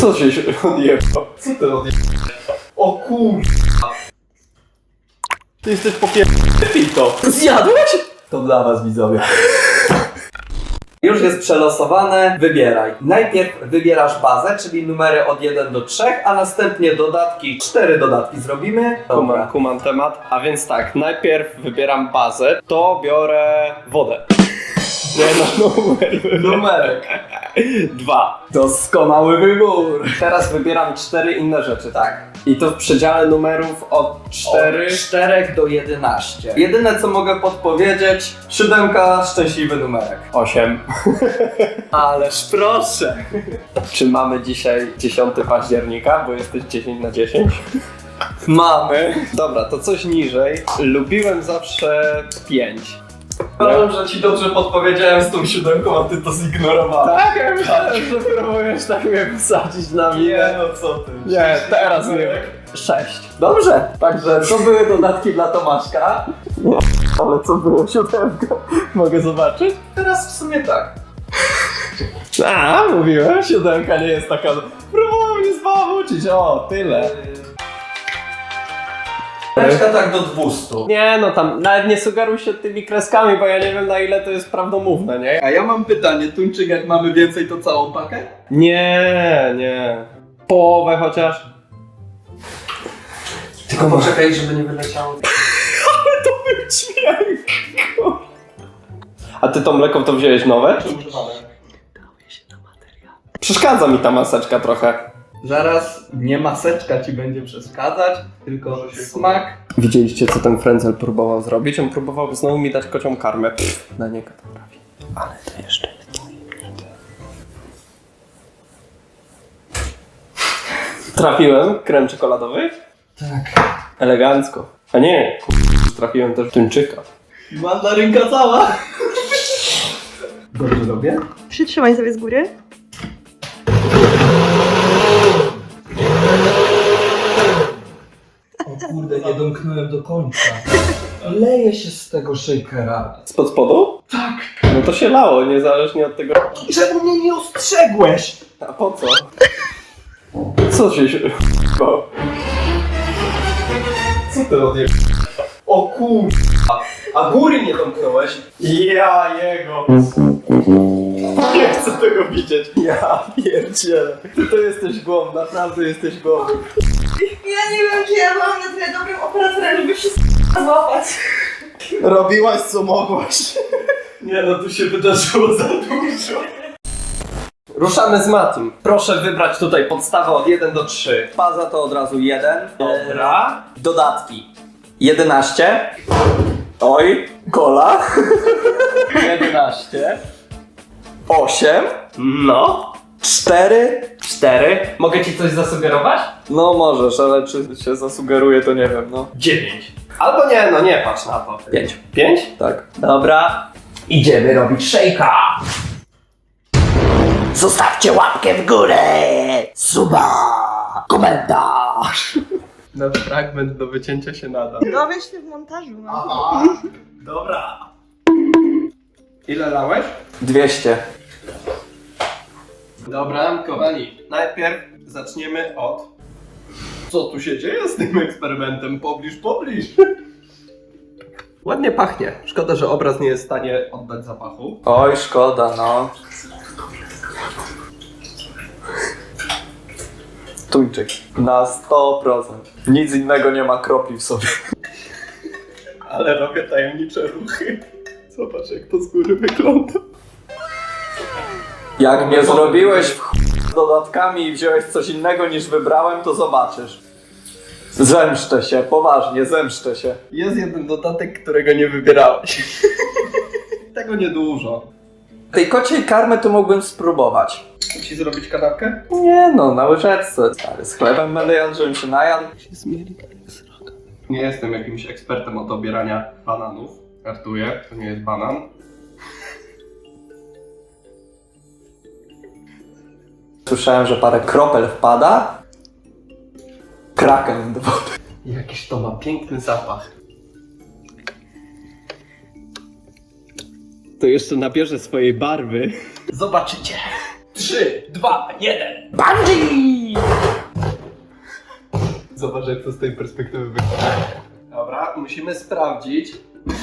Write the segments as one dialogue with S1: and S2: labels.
S1: Co się odjebał? Co ty odjebał? O kurwa. Ty jesteś to.
S2: Zjadłeś? To dla was, widzowie. Już jest przelosowane, wybieraj. Najpierw wybierasz bazę, czyli numery od 1 do 3, a następnie dodatki, 4 dodatki zrobimy.
S1: Kumam temat. A więc tak, najpierw wybieram bazę, to biorę wodę. Nie no,
S2: Numerek.
S1: 2.
S2: Doskonały wybór.
S1: Teraz wybieram 4 inne rzeczy,
S2: Tak.
S1: I to w przedziale numerów od 4.
S2: Od 4 do 11. Jedyne co mogę podpowiedzieć, 7, szczęśliwy numerek.
S1: 8. Ależ proszę. Czy mamy dzisiaj 10 października, bo jesteś 10 na 10?
S2: Mamy.
S1: Dobra, to coś niżej. Lubiłem zawsze 5.
S2: Uważam, że ci dobrze podpowiedziałem z tą 7, a ty to zignorowałeś.
S1: Tak, ja myślałem, że próbujesz tak mnie wsadzić na minę.
S2: no co ty.
S1: Nie, teraz nie. 6.
S2: Dobrze, także to były dodatki dla Tomaszka.
S1: Ale co było 7? Mogę zobaczyć?
S2: Teraz w sumie tak.
S1: A, mówiłem, 7 nie jest taka... Próbował mnie zbawić. O, tyle.
S2: Reszta tak do 200.
S1: Nie, no tam nawet nie sugeruj się tymi kreskami, bo ja nie wiem na ile to jest prawdomówne, nie?
S3: A ja mam pytanie, tuńczyk jak mamy więcej to całą pakę?
S1: Nie. Połowę chociaż.
S2: Tylko poczekaj, żeby nie wyleciało.
S1: Dźwięk. A ty to mleko to wziąłeś nowe? Przeszkadza mi ta maseczka trochę.
S3: Zaraz nie maseczka ci będzie przeszkadzać, tylko smak.
S1: Widzieliście co ten frędzel próbował zrobić? On próbował znowu mi dać kocią karmę. Na niego to trafi. Ale to jeszcze jest tajemnicze. Trafiłem krem czekoladowy?
S3: Tak.
S1: Elegancko. A nie, trafiłem też tuńczyka.
S3: Mandarynka cała. Dobrze robię?
S4: Przytrzymaj sobie z góry.
S3: O kurde, nie domknąłem do końca. Leje się z tego shakera.
S1: Spod spodu? Tak. No to się lało, niezależnie od tego.
S3: Czemu mnie nie ostrzegłeś?
S1: A po co? Co się Co ty odjebałeś?
S2: O kurwa. A góry nie domknąłeś?
S1: Ja jego! Nie chcę tego widzieć. Ja pierdzielę. Ty to jesteś głąb, naprawdę jesteś głąb.
S4: Ja nie wiem, czy ja byłam na tyle dobrym operatorem, żeby wszystko złapać.
S1: Robiłaś co mogłaś.
S2: Nie no, tu się wydarzyło za dużo.
S1: Ruszamy z Matim. Proszę wybrać tutaj podstawę od 1 do 3.
S2: Baza to od razu 1.
S1: Dobra.
S2: Dodatki. 11.
S1: Oj, kola. 11.
S2: 8.
S1: No.
S2: 4.
S1: 4. Mogę ci coś zasugerować?
S2: No możesz, ale czy się zasugeruje to nie wiem, no.
S1: 9. Albo nie, no nie patrz na to.
S2: 5.
S1: 5?
S2: Tak.
S1: Dobra. Idziemy robić szejka.
S5: Zostawcie łapkę w górę, suba, komentarz.
S1: No fragment do wycięcia się nada.
S4: Dowiesz się w montażu. No.
S1: Dobra. Ile lałeś?
S2: 200.
S1: Dobra, kochani. Najpierw zaczniemy od... Co tu się dzieje z tym eksperymentem? Pobliż. Ładnie pachnie. Szkoda, że obraz nie jest w stanie oddać zapachu.
S2: Oj, szkoda, no. Tuńczyk. Na 100%. Nic innego nie ma kropli w sobie.
S1: Ale robię tajemnicze ruchy. Zobacz, jak to z góry wygląda.
S2: Jak mnie zrobiłeś w dodatkami i wziąłeś coś innego niż wybrałem, to zobaczysz. Zemszczę się, poważnie, zemszczę się.
S1: Jest jeden dodatek, którego nie wybierałeś. Tego niedużo.
S2: Tej kociej karmy to mógłbym spróbować.
S1: Chcę ci zrobić kanapkę?
S2: Nie no, na łyżeczce. Stary, z chlebem będę jadł, żebym się najadł.
S1: Nie jestem jakimś ekspertem od obierania bananów. Kartuję, to nie jest banan.
S2: Słyszałem, że parę kropel wpada. Kraken do wody.
S1: Jakiś to ma piękny zapach. To jeszcze nabierze swojej barwy. Zobaczycie. 3, 2, 1.
S5: Bungee!
S1: Zobacz, jak to z tej perspektywy wygląda. Dobra, musimy sprawdzić.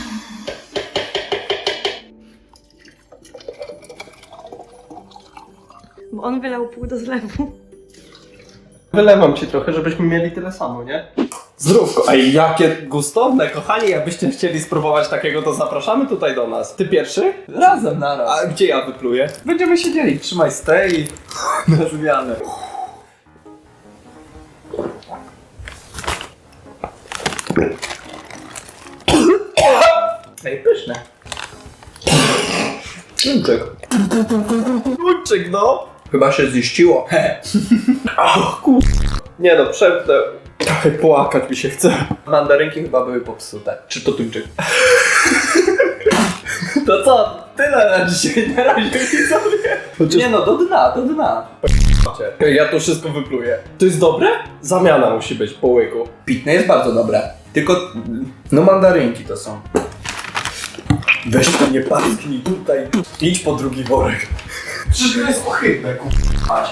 S4: Bo on wylał pół do zlewu.
S1: Wylewam ci trochę, żebyśmy mieli tyle samo, nie? Zdrówko. Ej, jakie gustowne, kochani. Jakbyście chcieli spróbować takiego, to zapraszamy tutaj do nas. Ty pierwszy?
S2: Razem naraz.
S1: A gdzie ja wypluję? Będziemy siedzieli. Trzymaj z tej na zmianę.
S2: Ej, pyszne.
S1: Tuńczyk. Tuńczyk, no.
S2: Chyba się ziściło.
S1: Nie no, przemknę. Trochę płakać mi się chce.
S2: Mandarynki chyba były popsute.
S1: Czy to tuńczyk?
S2: To co? Tyle na dzisiaj. Na razie widzowie. Nie no, do dna, do dna.
S1: Ja to wszystko wypluję. To jest dobre? Zamiana musi być po łyku.
S2: Pitne jest bardzo dobre. Tylko, no mandarynki to są.
S1: Weź to nie parsknij tutaj. Idź po drugi worek. Przecież to jest ohydne, k***ać.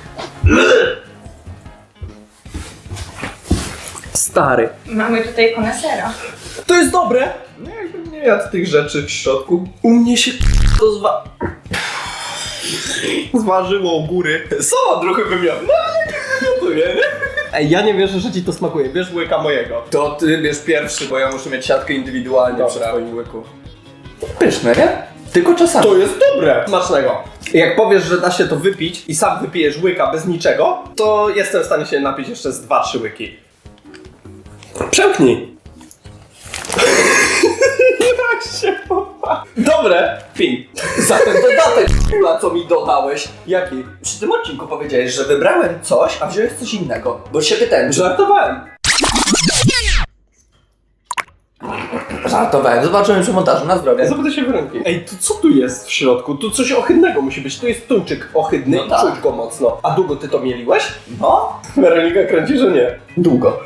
S2: Stary.
S4: Mamy tutaj konesera.
S1: To jest dobre.
S2: No jakbym nie jadł tych rzeczy w środku.
S1: U mnie się to zważyło u góry.
S2: Są odruchy bym miał. No ale nie wymiotuję, nie?
S1: Ej, ja nie wierzę, że ci to smakuje. Bierz łyka mojego.
S2: To ty bierz pierwszy, bo ja muszę mieć siatkę indywidualnie przy
S1: Dobra.
S2: twoim łyku. Pyszne, nie? Tylko czasami.
S1: To jest dobre. Smacznego. Jak powiesz, że da się to wypić i sam wypijesz łyka bez niczego, to jestem w stanie się napić jeszcze z 2-3 łyki. Przemknij. Jak się popa. Dobre. Pij.
S2: Za ten dodatek, na co mi dodałeś.
S1: Jaki?
S2: Przy tym odcinku powiedziałeś, że wybrałem coś, a wziąłeś coś innego. Bo się pytałem, że...
S1: Żartowałem.
S2: Żartowałem. Zobaczyłem przy montażu. Na zdrowie.
S1: Zapytaj się Weroniki. Ej, to co tu jest w środku? Tu coś ohydnego musi być. Tu jest tuńczyk ohydny
S2: No
S1: i
S2: tak.
S1: czuć go mocno. A długo ty to mieliłeś?
S2: No.
S1: Weronika kręci, że nie.
S2: Długo.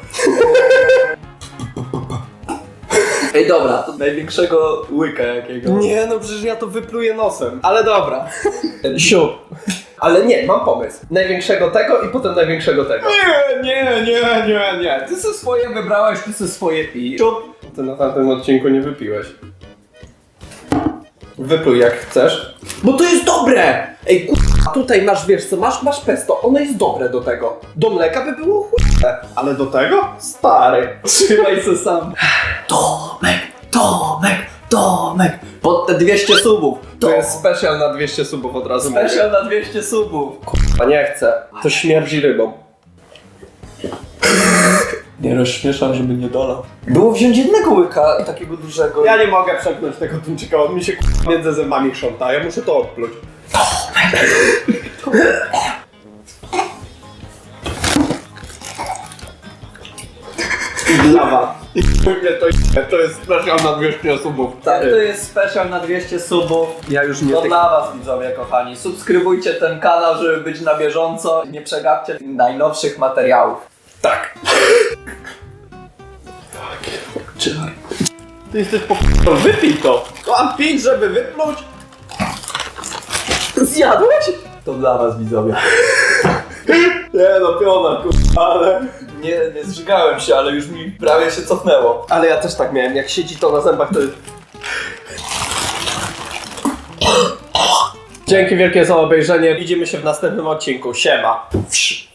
S2: Ej, dobra, to największego łyka jakiego.
S1: Nie, no przecież ja to wypluję nosem. Ale dobra. Siup. Ale nie, mam pomysł. Największego tego i potem największego tego. Nie.
S2: Ty se swoje wybrałeś, ty se swoje pij.
S1: Siup. Ty na tamtym odcinku nie wypiłeś. Wypluj jak chcesz. Bo to jest dobre! Ej, a tutaj masz, wiesz co, masz pesto, ono jest dobre do tego. Do mleka by było chłopne. Ale do tego? Stary. Trzymaj se sam.
S2: Tomek! Pod te 200 subów.
S1: To jest special na 200 subów od razu mówię.
S2: Special na 200 subów.
S1: A nie chcę. To śmierdzi rybą. Nie rozśmieszam, żeby nie dolał.
S2: Było wziąć jednego łyka, takiego dużego.
S1: Ja nie mogę przepchnąć tego tuńczyka, on mi się między zębami chrząta, ja muszę to odpluć. Dla was. I to jest special na 200 subów.
S2: Tak, to jest special na 200 subów.
S1: Ja już nie
S2: To dla was, widzowie kochani. Subskrybujcie ten kanał, żeby być na bieżąco. Nie przegapcie najnowszych materiałów.
S1: Tak. Ty jesteś to wypij to. Mam pić, żeby wypluć.
S2: Zjadłeś? To dla was, widzowie.
S1: Nie no, piona, ale...
S2: Nie zżygałem się, ale już mi prawie się cofnęło.
S1: Ale ja też tak miałem, jak siedzi to na zębach, to jest... Dzięki wielkie za obejrzenie, widzimy się w następnym odcinku, siema.